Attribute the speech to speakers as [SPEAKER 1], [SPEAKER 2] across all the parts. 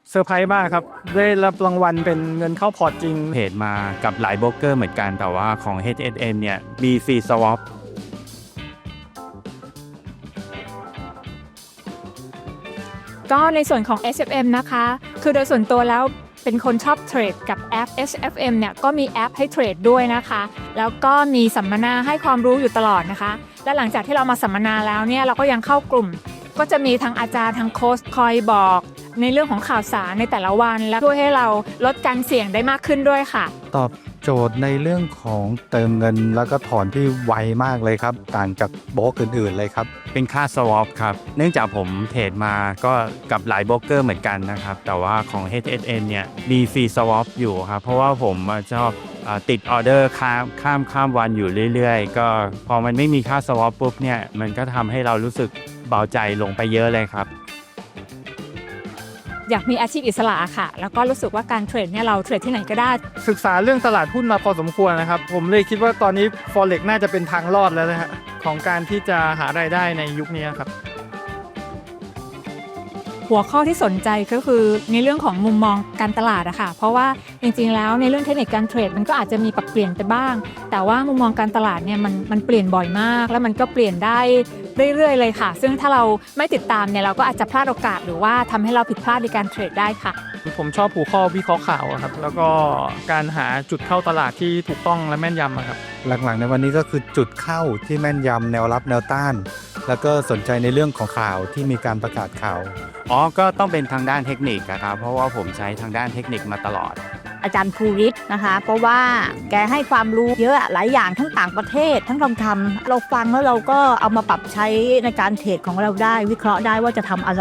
[SPEAKER 1] เซอร์ไพรส์มากครับได้รับรางวัลเป็นเงินเข้าพอร์ตจริง
[SPEAKER 2] เทรดมากับหลายโบรกเกอร์เหมือนกันแต่ว่าของ HSM เนี่ยมีฟรีสวอป
[SPEAKER 3] ก็ในส่วนของ SFM นะคะคือโดยส่วนตัวแล้วเป็นคนชอบเทรดกับแอป SFM เนี่ยก็มีแอปให้เทรดด้วยนะคะแล้วก็มีสัมมนาให้ความรู้อยู่ตลอดนะคะและหลังจากที่เรามาสัมมนาแล้วเนี่ยเราก็ยังเข้ากลุ่มก็จะมีทางอาจารย์ทางโค้ชคอยบอกในเรื่องของข่าวสารในแต่ละวันและช่วยให้เราลดการเสี่ยงได้มากขึ้นด้วยค่ะ
[SPEAKER 4] ตอบโจทย์ในเรื่องของเติมเงินแล้วก็ถอนที่ไวมากเลยครับต่างจากโบรกอื่นๆเลยครับ
[SPEAKER 2] เป็นค่าสวอปครับเนื่องจากผมเทรดมาก็กับหลายโบรกเกอร์เหมือนกันนะครับแต่ว่าของ HSM เนี่ยมีฟรีสวอปอยู่ครับเพราะว่าผมชอบติดออเดอร์ข้ามวันอยู่เรื่อยๆก็พอมันไม่มีค่าสวอปปุ๊บเนี่ยมันก็ทำให้เรารู้สึกเบาใจลงไปเยอะเลยครับ
[SPEAKER 3] อยากมีอาชีพอิสระค่ะแล้วก็รู้สึกว่าการเทรดเนี่ยเราเทรดที่ไหนก็ได้
[SPEAKER 1] ศึกษาเรื่องตลาดหุ้นมาพอสมควรนะครับผมเลยคิดว่าตอนนี้ Forex น่าจะเป็นทางรอดแล้วนะฮะของการที่จะหารายได้ในยุคนี้ครับ
[SPEAKER 3] หัวข้อที่สนใจก็คือในเรื่องของมุมมองการตลาดอะค่ะเพราะว่าจริงๆแล้วในเรื่องเทคนิคการเทรดมันก็อาจจะมีปรับเปลี่ยนไปบ้างแต่ว่ามุมมองการตลาดเนี่ยมันเปลี่ยนบ่อยมากแล้วมันก็เปลี่ยนได้เรื่อยๆเลยค่ะซึ่งถ้าเราไม่ติดตามเนี่ยเราก็อาจจะพลาดโอกาสหรือว่าทำให้เราผิดพลาดในการเทรดได้ค่ะ
[SPEAKER 1] ผมชอบหัวข้อวิเคราะห์ข่าวครับแล้วก็การหาจุดเข้าตลาดที่ถูกต้องและแม่นยำครับ
[SPEAKER 4] หลังๆในวันนี้ก็คือจุดเข้าที่แม่นยำแนวรับแนวต้านแล้วก็สนใจในเรื่องของข่าวที่มีการประกาศข่าว
[SPEAKER 2] ก็ต้องเป็นทางด้านเทคนิคนะครับเพราะว่าผมใช้ทางด้านเทคนิคมาตลอด
[SPEAKER 5] อาจารย์ภูริศนะคะเพราะว่าแกให้ความรู้เยอะหลายอย่างทั้งต่างประเทศทั้งทำเราฟังแล้วเราก็เอามาปรับใช้ในการเทรดของเราได้วิเคราะห์ได้ว่าจะทำอะไร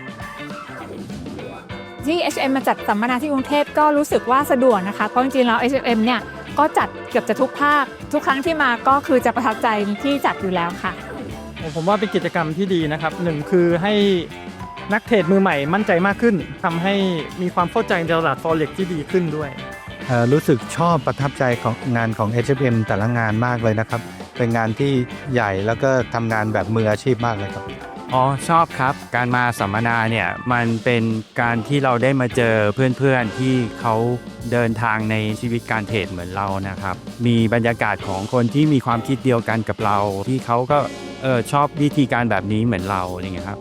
[SPEAKER 3] ที่ HM มาจัดสัมมนาที่กรุงเทพก็รู้สึกว่าสะดวกนะคะเพราะจริงๆแล้ว HM เนี่ยก็จัดเกือบจะทุกภาคทุกครั้งที่มาก็คือจะประทับใจที่จัดอยู่แล้วค่ะ
[SPEAKER 1] ผมว่าเป็นกิจกรรมที่ดีนะครับหนึ่งคือให้นักเทรดมือใหม่มั่นใจมากขึ้นทำให้มีความเข้าใจในตลาด Forex ที่ดีขึ้นด้วย
[SPEAKER 4] รู้สึกชอบประทับใจของงานของ HFM แต่ละงานมากเลยนะครับเป็นงานที่ใหญ่แล้วก็ทำงานแบบมืออาชีพมากเลยครับ
[SPEAKER 2] ชอบครับการมาสัมมนาเนี่ยมันเป็นการที่เราได้มาเจอเพื่อนๆที่เขาเดินทางในชีวิตการเทรดเหมือนเรานะครับมีบรรยากาศของคนที่มีความคิดเดียวกันกับเราที่เขาก็ชอบวิธีการแบบนี้เหมือนเราอย่างเงี้ยครับ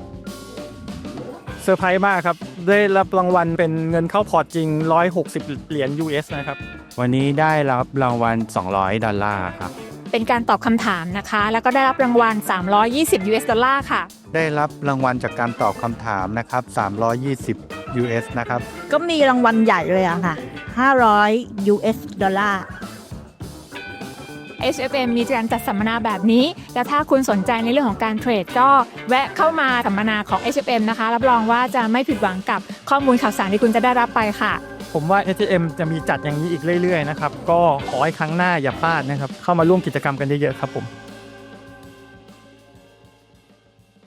[SPEAKER 1] เซอร์ไพรส์มากครับได้รับรางวัลเป็นเงินเข้าพอร์ตจริง160เหรียญ US นะครับ
[SPEAKER 2] วันนี้ได้รับรางวัล$200ครับ
[SPEAKER 3] เป็นการตอบคำถามนะคะแล้วก็ได้รับรางวัล$320 ค่ะ
[SPEAKER 4] ได้รับรางวัลจากการตอบคำถามนะครับ320 US นะครับ
[SPEAKER 5] ก็มีรางวัลใหญ่เลยอะค่ะ$500
[SPEAKER 3] HFM มีการจัดสัมมนาแบบนี้และถ้าคุณสนใจในเรื่องของการเทรดก็แวะเข้ามาสัมมนาของ HFM นะคะรับรองว่าจะไม่ผิดหวังกับข้อมูลข่าวสารที่คุณจะได้รับไปค่ะ
[SPEAKER 1] ผมว่า HFM จะมีจัดอย่างนี้อีกเรื่อยๆนะครับก็ขอให้ครั้งหน้าอย่าพลาดนะครับเข้ามาร่วมกิจกรรมกันเยอะๆครับผม